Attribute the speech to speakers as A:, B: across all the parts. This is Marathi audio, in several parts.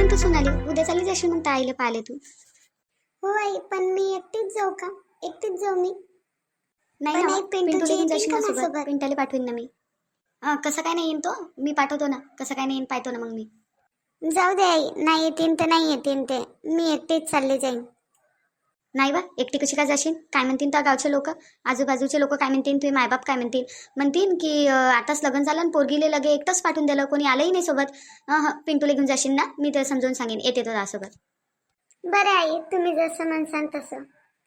A: म्हणतो सोनाली, उद्या चालली जाशील मग ताईला पाहिले तू?
B: हो आई, पण मी एकटीच जाऊ का? एकटीच जाऊ मी?
A: नाही
B: पण
A: ना,
B: आई, पिंटूची
A: पिंटूला घेऊन
B: येतील
A: जाशील
B: का
A: ना सोबत?
B: माझ्यासोबत?
A: पिंटाला पाठवीन ना मी. कसं काय नाही येईन तो, मी पाठवतो ना. कसं काय नाही येईन पाहतो ना मग मी.
B: जाऊ दे आई, नाही येतील तर नाही येतील ते, मी एकटीच चालले जाईन.
A: नाही बा, एकटी कशी काय जाशील? काय म्हणतील त्या गावचे लोक, आजूबाजूचे लोक काय म्हणतील, तुझे मायबाप काय म्हणतील? म्हणतील की आताच लग्न झालं आणि पोरगीले लगे एकटंच पाठवून दिलं, कोणी आलंही नाही सोबत. पिंटूला घेऊन जाशील ना, मी ते समजून सांगेन, येते तो त्यासोबत.
B: बरं आई, तुम्ही जसं म्हणसान तसं.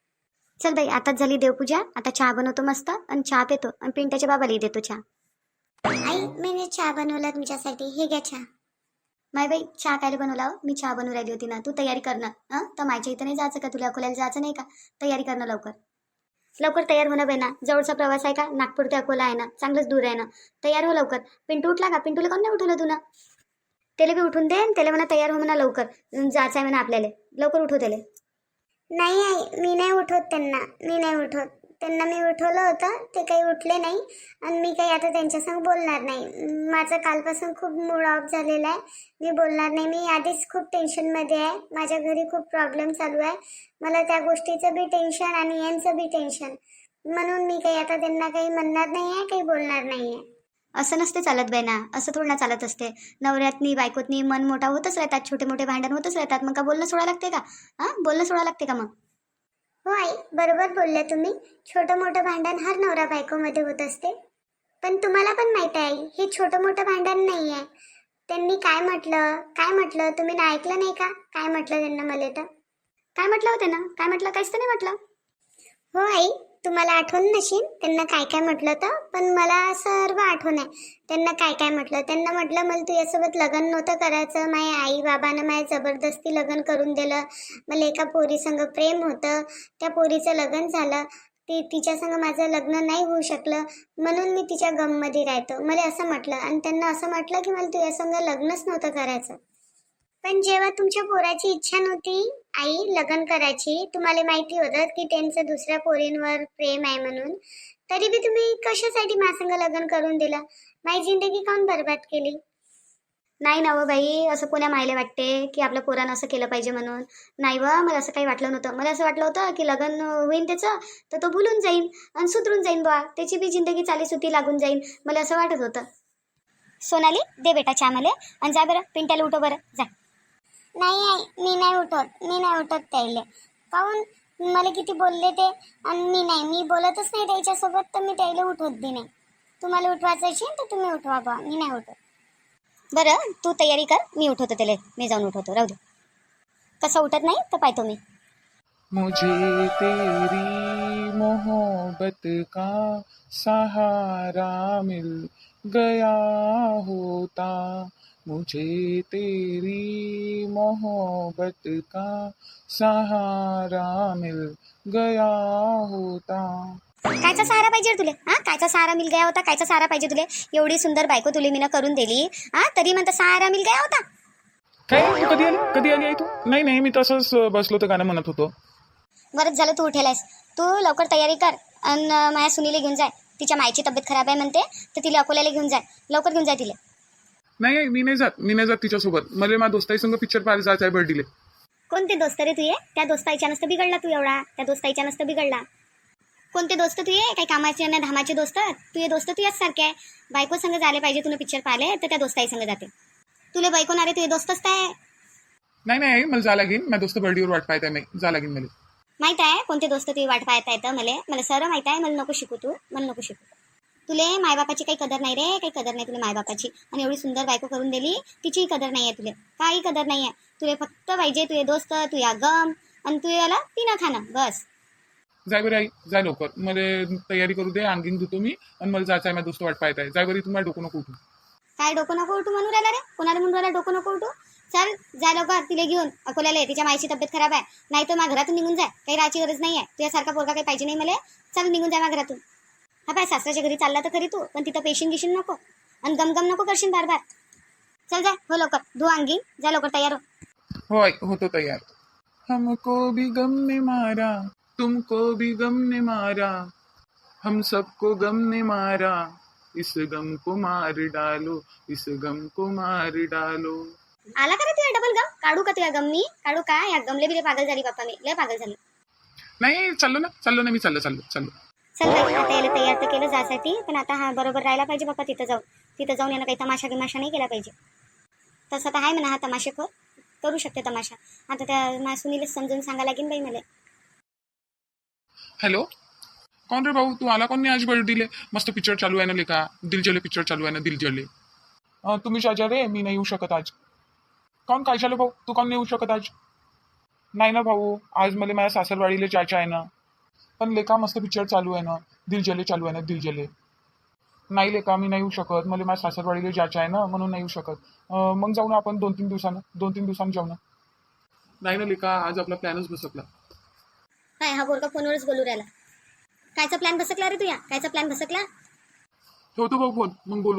A: चल बाई, आताच झाली देवपूजा, आता चहा बनवतो मस्त आणि चहा पितो आणि पिंट्याच्या बाबालाही देतो चहा.
B: आई, मी चहा बनवला तुमच्यासाठी, हे घ्या चहा.
A: माय बाई, चहा कायला बनवला हो? मी चहा बनवून राहिली होती ना. तू तयारी कर ना. तर माझ्या इथं नाही जायचं का? तुला अकोल्याला जायचं नाही का? तयारी करणं लवकर. लवकर तयार होणं बाई ना. जवळचा प्रवास आहे का? नागपूर ते अकोला आहे ना, चांगलंच दूर आहे ना. तयार हो लवकर. पिंटू उठला का? पिंटूला कोण नाही उठवलं तुला? त्याला बी उठून दे, त्याला म्हणा तयार हो म्हणा लवकर. जायचं आहे म्हणा आपल्याला. लवकर उठव त्याला.
B: नाही आई, मी नाही उठवत त्यांना, मी नाही उठवत त्यांना. मी उठवलं होतं, ते काही उठले नाही आणि मी काही आता त्यांच्यासंग बोलणार नाही. माझं कालपासून खूप मूड ऑफ झालेला आहे, मी बोलणार नाही. मी आधीच खूप टेन्शनमध्ये आहे, माझ्या घरी खूप प्रॉब्लेम चालू आहे. मला त्या गोष्टीचं बी टेन्शन आणि यांचं बी टेन्शन, म्हणून मी काही आता त्यांना काही म्हणणार नाही आहे, काही बोलणार नाही आहे.
A: असं नसते चालत बाई ना, असं थोडं ना चालत असते. नवऱ्यातनी बायकोतनी मन मोठा होतच राहतात, छोटे मोठे भांडण होतच राहतात. मग का बोलणं सोडा लागते का? बोलणं सोडा लागते का मग?
B: हो आई, बरोबर बोलल्या तुम्ही. छोटं मोठं भांडण हर नवरा बायकोमध्ये होत असते, पण तुम्हाला पण माहित आहे आई, हे छोटं मोठं भांडण नाही आहे. त्यांनी काय म्हटलं तुम्ही ना ऐकलं नाही का? काय म्हटलं त्यांना मला तर?
A: काय म्हटलं होते ना? काय म्हटलं? काहीच तर नाही म्हटलं.
B: हो आई, तुम्हाला आठवण नशील त्यांना काय काय म्हटलं तर, पण मला सर्व आठवण आहे त्यांना काय काय म्हटलं. त्यांना म्हटलं, मला तुझ्यासोबत लग्न नव्हतं करायचं, माझ्या आई बाबानं माझ्या जबरदस्ती लग्न करून दिलं. मला एका पोरीसंग प्रेम होतं, त्या पोरीचं लग्न झालं, तिच्या संग माझं लग्न नाही होऊ शकलं, म्हणून मी तिच्या गममध्ये राहतो, मला असं म्हटलं. आणि त्यांना असं म्हटलं की मला तुझ्या संग लग्नच नव्हतं करायचं. पण जेव्हा तुमच्या पोराची इच्छा नव्हती आई लग्न करायची, तुम्हाला माहिती होतं की त्यांचं दुसऱ्या पोरींवर प्रेम आहे म्हणून, तरी बी तुम्ही कशासाठी माझ्यासंग लग्न करून दिलं? माझी जिंदगी काऊन बरबाद केली?
A: नाही ना व बाई, असं कोण्या मायले वाटते की आपल्या पोरानं असं केलं पाहिजे म्हणून? नाही व, मला असं काही वाटलं नव्हतं. मला असं वाटलं होतं की लग्न होईन त्याचं, तर तो भुलून जाईन आणि सुधरून जाईन बा, त्याची बी जिंदगी चाली सुती लागून जाईन, मला असं वाटत होतं. सोनाली, दे बेटा चहा मला आणि जा बरं, पिंट्याला उठव बरं, जा.
B: नाही आई, मी नाही उठत त्याले. काऊन? मला किती बोलले ते, आणि मी बोलतच नाही त्याच्यासोबत, तर मी त्याला उठवत बी नाही. तुम्हाला उठवायचं असेल तर तुम्ही उठवा बा, मी नाही उठत.
A: बरं, तू तयारी कर, मी उठवतो त्याला, मी जाऊन उठवतो, राहू दे. कसं उठत नाही तर पाहतो मी.
C: मुझे तेरी मोहब्बत का सहारा मिल गया होता, मुझे तेरी मोहब्बत का सहारा मिल गया होता.
A: कायचा सहारा पाहिजे रे तुले? कायचा सहारा मिल गया होता? कायचा सहारा पाहिजे तुले? एवढी सुंदर बायको तुले मीनं करून दिली, तरी म्हणता सहारा मिल गया होता?
C: काय तू कधी आली आहे तू? नाही मी तसंच बसलो तर गाणं म्हणत होतो.
A: बरंच झालं तू उठेलायस. तू लवकर तयारी कर आणि माझ्या सुनीला घेऊन जाय. तिच्या मायची तब्येत खराब आहे म्हणते, तर तिला अकोल्याला घेऊन जाय. लवकर घेऊन जाय तिला.
C: नाही मी नाही जात तिच्यासोबत. मला माझ्या दोस्ताई संग पिक्चर पाहायला जायचं आहे बर्थडेले.
A: कोणते दोस्त रे तुये? त्या दोस्ताईच्या नसतं बिघडला तू एवढा. त्या दोस्ताईच्या नसतं बिघडला. कोणते दोस्त तुये? काही कामाचे ना धामाचे दोस्त? तुझे दोस्त तुझ्याच सारखे आहे. बायको संग झाले पाहिजे तुला पिक्चर पाहिले, तर त्या दोस्ताई संग जाते. तुला बायको ना रे, तुझे दोस्तच काय?
C: नाही मला जा लागेल. माझ्या दोस्त बर्थडेवर वाट पाहत आहे, मी जा लागेल मला.
A: माहित आहे कोणते दोस्त तुझी वाट पाहता येतं? मला सर्व माहित आहे. मला नको शिकू तू, मला नको शिकू. तुले मायबापाची काही कदर नाही रे, काही कदर नाही तुला मायबापाची. आणि एवढी सुंदर बायको करून दिली, तिचीही कदर नाही आहे तुले, काही कदर नाही आहे. तुले फक्त पाहिजे तुझे दोस्त, तुझ्या गम आणि तू याला पिणं खाणं, बस.
C: जाय बरं आई, जाय लवकर. मला तयारी करू दे, आणखीन धुतो मी आणि मला जायचं आहे. माझा दोस्त वाट पाहत आहे. जाय बरी, तुम्हाला डोकं नको उठू.
A: काय डोकं नको उठू म्हणून राहिला रे? कोणाला म्हणून राहिला डोकं नको उठू? चल जाय लवकर, तिला घेऊन अकोल्याला. तिच्या मायची तब्येत खराब आहे, नाही तर माझ्या घरातून निघून जाय. काही राहायची गरज नाही आहे. तुझ्यासारखा पोरगा काही पाहिजे नाही मला. चल निघून जाय माझ्या घरातून. पाय, सासऱ्याच्या घरी चालला तर खरी तू, पण तिथं पेशीन गिशीन नको आणि गमगम नको करशील बार. चल जाय, हो लवकर, धू अंगी, जा लवकर तयार हो.
C: हो आई, होतो तयार. हमको भी गम ने मारा, तुमको भी गम ने मारा, हम सबको गम ने मारा, इस गम को मार डालो, इस गम को मार डालो.
A: आला का रे तुझ्या डबल गम? काढू का तुझ्या गम? मी काढू का? या गमले बिले पागल झाली बाप्पा, मी लय पागल झाली.
C: नाही चाललो ना मी चाललो.
A: चल बाई, आता याला तयार तर केलं जासाठी, पण आता हा बरोबर राहायला पाहिजे बाप्पा. तिथं जाऊन यानं काही तमाशा गिमाशा नाही केला पाहिजे. तसं तर आहे म्हणा हा तमाशेखोर, करू शकते तमाशा. आता त्या माझ्या सुनीला समजून सांगा लागेल बाई मला.
C: हॅलो, कौन रे भाऊ, तू आला कोण नाही आज बर्थडेले? मस्त पिक्चर चालू आहे ना लेका, दिलजले पिक्चर चालू आहे ना दिलजले. तुम्ही शाजा रे, मी नाही येऊ शकत आज. कौन काय झालं भाऊ, तू कोण नाही येऊ शकत आज? नाही ना भाऊ, आज मला माझ्या सासरवाडीला जायचं आहे ना. पण लेका मस्त पिक्चर चालू आहे ना, दिलजले चालू आहे ना दिलजले. नाही लेका, मी नाही येऊ शकत, मला माझ्या सासरवाडीला जायचं आहे ना, म्हणून नाही येऊ शकत. मग जाऊ ना आपण 2-3 दिवसानं जाऊ ना. नाही ना लेका, आज आपला प्लॅनच बसकला.
A: काय हा पोरगा फोनवरच बोलू राहिला? कायचा प्लॅन बसकला रे तुया? कायचा प्लॅन बसकला?
C: ठेवतो भाऊ फोन, मग बोलू.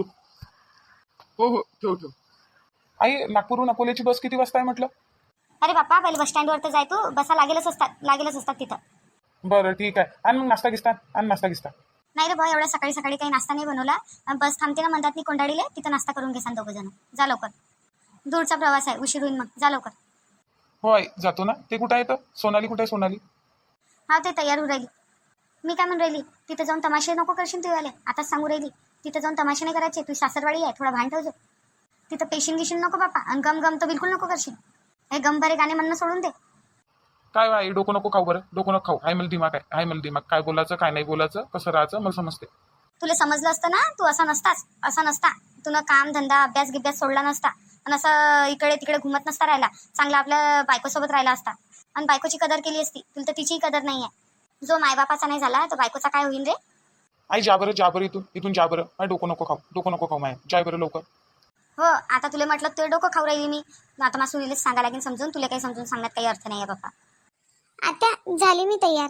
C: हो ठेव. आई, नागपूरहून अकोल्याची बस किती वाजता आहे म्हटलं?
A: अरे बाप्पा, पहिले बस स्टँडवर तर जाय तू. बसा लागेलच असतात तिथं.
C: बरं ठीक आहे, आणि मग नाश्ता गिस्ता.
A: नाही रे भाऊ, एवढ्या सकाळी सकाळी काही नाश्ता नाही बनवला. बस थांबते ना म्हणतात मी कोंडाळीले, तिथं नाश्ता करून घेसान दोघं जण. जा लवकर, दूरचा प्रवास आहे, उशीर होईल. मग जा लवकर.
C: हो आई, जातो ना. ते कुठं आहे तर? सोनाली कुठे आहे सोनाली?
A: हा, ते तयार होऊ राहिली. मी काय म्हणून राहिली, तिथं जाऊन तमाशे नको करशील तू आले. आताच सांगू राहिली, तिथं जाऊन तमाशे नाही करायचे. तू सासरवाडी आहे, थोडा भान ठेवજો. तिथं पेशीन गिशीन नको बापा, आणि गम तर बिलकुल नको करशील. हे गमभरे गाणे म्हणणं सोडून दे.
C: काय आई, डोकं नको खाऊ बरं, डोकं नको खाऊ. हाय मला दिमाग, काय बोलायचं काय नाही बोलायचं, कसं राहायचं मला समजते.
A: तुला समजलं असतं ना, तू असा नसता. तुला काम धंदा अभ्यास गिभ्यास सोडला नसता, आणि असं इकडे तिकडे घुमत नसता राहिला. चांगला आपल्या बायकोसोबत राहिला असता, आणि बायकोची कदर केली असती. तुला तर तिचीही कदर नाही आहे. जो मायबापाचा नाही झाला तो बायकोचा काय होईल रे?
C: आई जा बरं इथून जा बरं. माझं डोकं नको खाऊ माय, जाय बरं लवकर.
A: हो, आता तुला म्हटलं तुझं डोकं खाऊ राहिली मी. आता मला सुनीलच सांगा लागेल समजून. तुला काही समजून सांगण्यात काही अर्थ नाही आहे बाप्पा.
B: आता झाली मी तयार.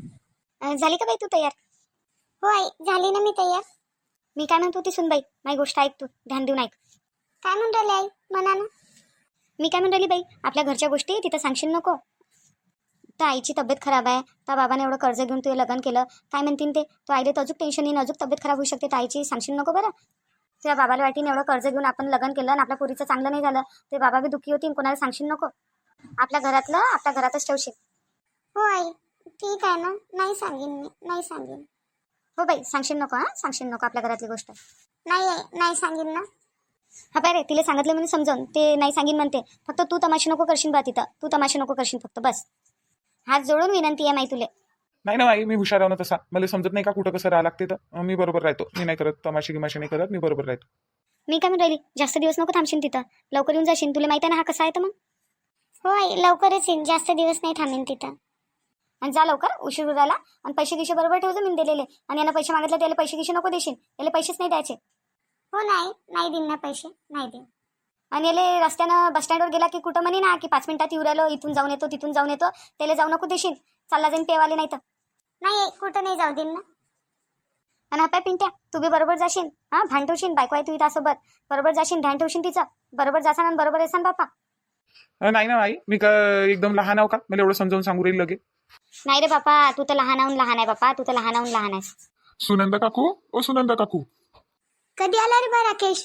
A: झाली का बाई तू तयार?
B: हो आई, झाली ना मी तयार.
A: मी काय म्हणतो ती सुनबाई, माझी गोष्ट ऐक तू, ध्यान देऊन ऐक.
B: काय म्हणून राहिले आई, म्हणा ना.
A: मी काय म्हणून राहिली बाई, आपल्या घरच्या गोष्टी तिथं सांगशील नको. तर आईची तब्येत खराब आहे, तर बाबाने एवढं कर्ज घेऊन तुझं लग्न केलं, काय म्हणतील ते? तो आईला तर अजून टेन्शन येईन, अजून तब्येत खराब होऊ शकते. तर आईची सांगशील नको बरं. तुझ्या बाबाला वाटीने एवढं कर्ज घेऊन आपण लग्न केलं, आणि आपल्या पोरीचं चांगलं नाही झालं, ते बाबा बी दुःखी होतील. कोणाला सांगशील नको. आपल्या घरातच ठेवशील.
B: हो आई, ठीक आहे ना, नाही सांगेन.
A: हो बाई, सांगशील नको. सांगशील नको आपल्या घरातली गोष्ट.
B: नाही आई, नाही सांगेन ना.
A: हा बाय रे, तिला सांगितलं म्हणून समजावून ते नाही सांगीन म्हणते. फक्त तू तमाशे नको करशील बा तिथं. तू तमाशे नको करशील फक्त, बस. हात जोडून विनंती आहे माई तुले.
C: नाही ना आई, मी हुशार आहे ना तसा. मला समजत नाही का कुठं कसं राहा लागते, तर मी बरोबर राहतो. मी नाही करत तमाशे गिमाशे नाही करत, मी बरोबर राहतो.
A: मी काय म्हणून राहिली, जास्त दिवस नको थांबशील तिथं. लवकर येऊन जाशील. तुला माहिती आहे ना हा कसा आहे तर मग.
B: हो आई, लवकरच येईन, जास्त दिवस नाही थांबेन तिथं.
A: आणि जा लवकर, उशीर उरायला. आणि पैसे गिशे बरोबर ठेवतो मी दिलेले. आणि यांना पैसे मागितले त्याला पैसे गिशे नको देशील. याला पैसेच नाही द्यायचे.
B: हो नाही देईन ना पैसे, नाही देईन.
A: आणि याले रस्त्यानं बस स्टँडवर गेला की कुठं म्हणे ना की 5 मिनिटात येऊ राहिलो, इथून जाऊन येतो तिथून जाऊन येतो, त्याला जाऊ नको देशील. चालला जाईन पेवाले नाही तर.
B: नाही आई, कुठं नाही जाऊ देईन ना.
A: आणि हा पाय पिंट्या, तू बी बरोबर जाशील. भान ठेवशील. बायको आहे तू त्यासोबत बरोबर जाशील, ध्यान ठेवशील तिचं. बरोबर जासान आणि बरोबर येसान बापा.
C: नाही ना आई, मी का एकदम लहान आहो का? मला एवढं समजावून सांगू राहील लगे.
A: नाही रे बापा, तू तर लहानाहून लहान आहे बापा. तू तर लहानाहून लहान आहेस.
C: सुनंदा काकू.
B: कधी आला रे बा राकेश?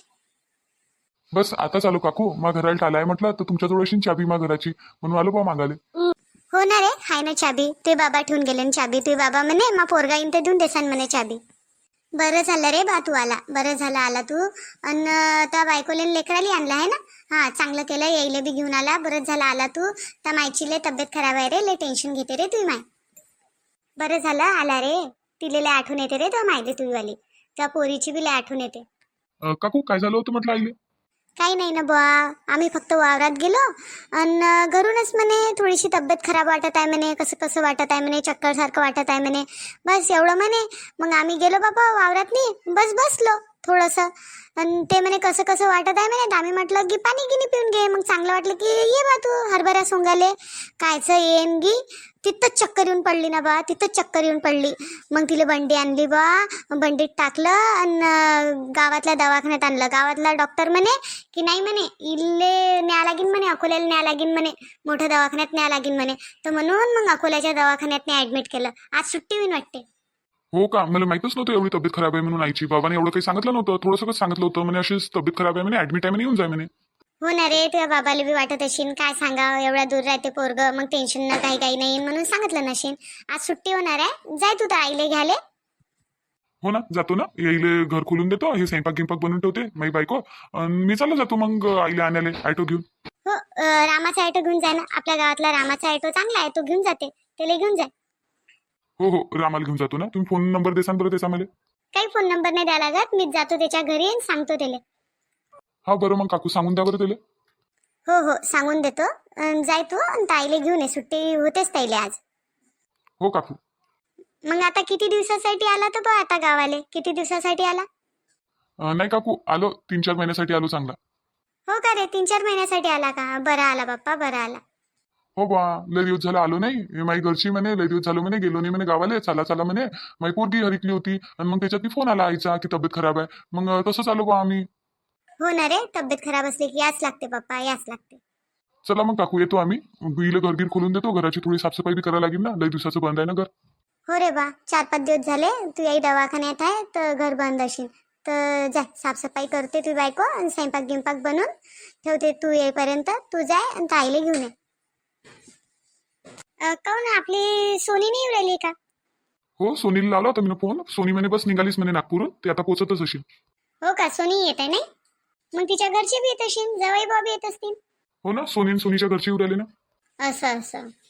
C: बस आता चालू काकू, मा घराला टालाय म्हटलं तर तुमच्याजवळ अशी चाबी मा घराची, म्हणून आलो बा मागाले.
B: हो ना रे, हाय ना चाबी. ते बाबा ठेवून गेले ना चाबी. ते बाबा म्हणे मा पोरगा येईन ते देऊन देसान म्हणे चाबी. बरं झालं रे बा तू आला, बरं झालं आला तू. अन त्या बायकोले लेकराली आणला आहे ना. हा, चांगलं केलं, यायला बी घेऊन आला. बरं झालं आला तू. त्या मायची लय तब्येत खराब आहे रे, लय टेन्शन घेते रे तुझी माय. बरं झालं आला रे. तिले लय आठवण येते रे त्या मायले तुझीवाली. त्या पोरीची बी लय आठवण येते.
C: काकू काय झालं होतं म्हटलं आईले?
B: काही नाही ना बुवा, आम्ही फक्त वावरात गेलो आणि घरूनच म्हणे थोडीशी तब्येत खराब वाटत आहे म्हणे, कसं वाटत आहे म्हणे, चक्कर सारखं वाटत आहे म्हणे. बस एवढं म्हणे. मग आम्ही गेलो बाबा वावरात नाही, बस बसलो थोडंसं. आणि ते म्हणे कसं वाटत आहे म्हणे. आम्ही म्हटलं की पाणी गिनी पिऊन घे. मग चांगलं वाटलं की ये बा तू हरभरा सोंगाले. कायचं येईन गी, तिथंच चक्कर येऊन पडली ना बा, तिथंच चक्कर येऊन पडली. मग तिला बंडी आणली बा, बंडीत टाकलं आणि गावातल्या दवाखान्यात आणलं. गावातला डॉक्टर म्हणे की नाही म्हणे, इल्ले न्या लागीन म्हणे, अकोल्याला न्या लागीन म्हणे, मोठ्या दवाखान्यात न्या लागीन म्हणे. तर म्हणून मग अकोल्याच्या दवाखान्यात ऍडमिट केलं. आज सुट्टी होईन वाटते.
C: हो का, मला माहितच नव्हतं एवढी तब्येत खराब आहे म्हणून आईची. बाबाने एवढं काही सांगितलं नव्हतं, थोडंसं सांगितलं होतं म्हणे अशीच तब्येत खराब आहे म्हणे, ऍडमिट आहे म्हणे, येऊन जाय म्हणे.
B: हो ना रे, तुझ्या बाबाला बी वाटत असेल काय सांगावं, एवढ्या दूर राहते पोरग, मग टेन्शन ना काही नाही म्हणून सांगितलं नशीन. आज सुट्टी होणार आहे, जाय तू तर आईले घ्याले.
C: हो ना, जातो ना, यायले घर खोलून देतो, हे स्वयंपाक गिंपाक बनवून ठेवते माझी बायको, आणि मी चाललो जातो मग आईला आणायला ऑटो घेऊन.
B: हो रामाचा ऑटो घेऊन जाय ना, आपल्या गावातला रामाचा ऑटो चांगला आहे, तो घेऊन जाते, त्याला घेऊन जाय.
C: हो हो, रामाला घेऊन जातो ना. तुम्ही फोन नंबर देसान बरं त्याचा मला.
B: काही फोन नंबर नाही द्यावा लागत, मीच जातो त्याच्या घरी आणि सांगतो त्याला.
C: हा बरं, मग काकू सांगून द्या बरं त्याला.
B: हो हो सांगून देतो. जाय तू आणि ताईला घेऊन ये, सुट्टी होतेच ताईले आज.
C: हो काकू.
B: मग आता किती दिवसासाठी आला तर बघ, आता गावाले किती दिवसासाठी आला?
C: नाही काकू, आलो 3-4 महिन्यासाठी आलो चांगला.
B: हो का रे, 3-4 महिन्यासाठी आला का? बरा आला बाप्पा, बरा आला.
C: हो बा, लय दिवस झाला आलो नाही. हे माझी घरची म्हणे लय दिवस झालो म्हणे, गेलो नाही म्हणे गावाले, चला चला म्हणे. माझी पोरगी हरिकली होती आणि मग त्याच्यात फोन आला आईचा की तब्येत खराब आहे. मग तसंच आलो बा आम्ही.
B: हो ना रे, तब्येत खराब असली की याच लागते बाप्पा, याच लागते.
C: चला मग काकू, येतो आम्ही. हिला घरगीर खोलून देतो, घराची थोडी साफसफाई बी करायला लागेल ना, लय दिवसाचं बंद आहे ना घर.
B: हो रे बा, 4-5 दिवस झाले तू आई दवाखान्यात आहे तर घर बंद असेल, तर जाय साफसफाई करते तू बायको आणि स्वयंपाक गिंपाक बनवून ठेवते, तू येईपर्यंत तू जाय आणि ताईला घेऊन ये. काहून आपली सोनी नाही येऊ राहिली का?
C: हो, सोनीला लावला होता मी फोन. सोनी म्हणे बस निघालीच म्हणे नागपूरहून, ते आता पोहोचतच असेल.
B: हो का, सोनी येत आहे नाही? मग तिच्या घरचे बी येत असेल, जवाई बाबी येत असतील.
C: हो ना, सोनी आणि सोनीच्या घरची येऊ राहिले ना.
B: असं असं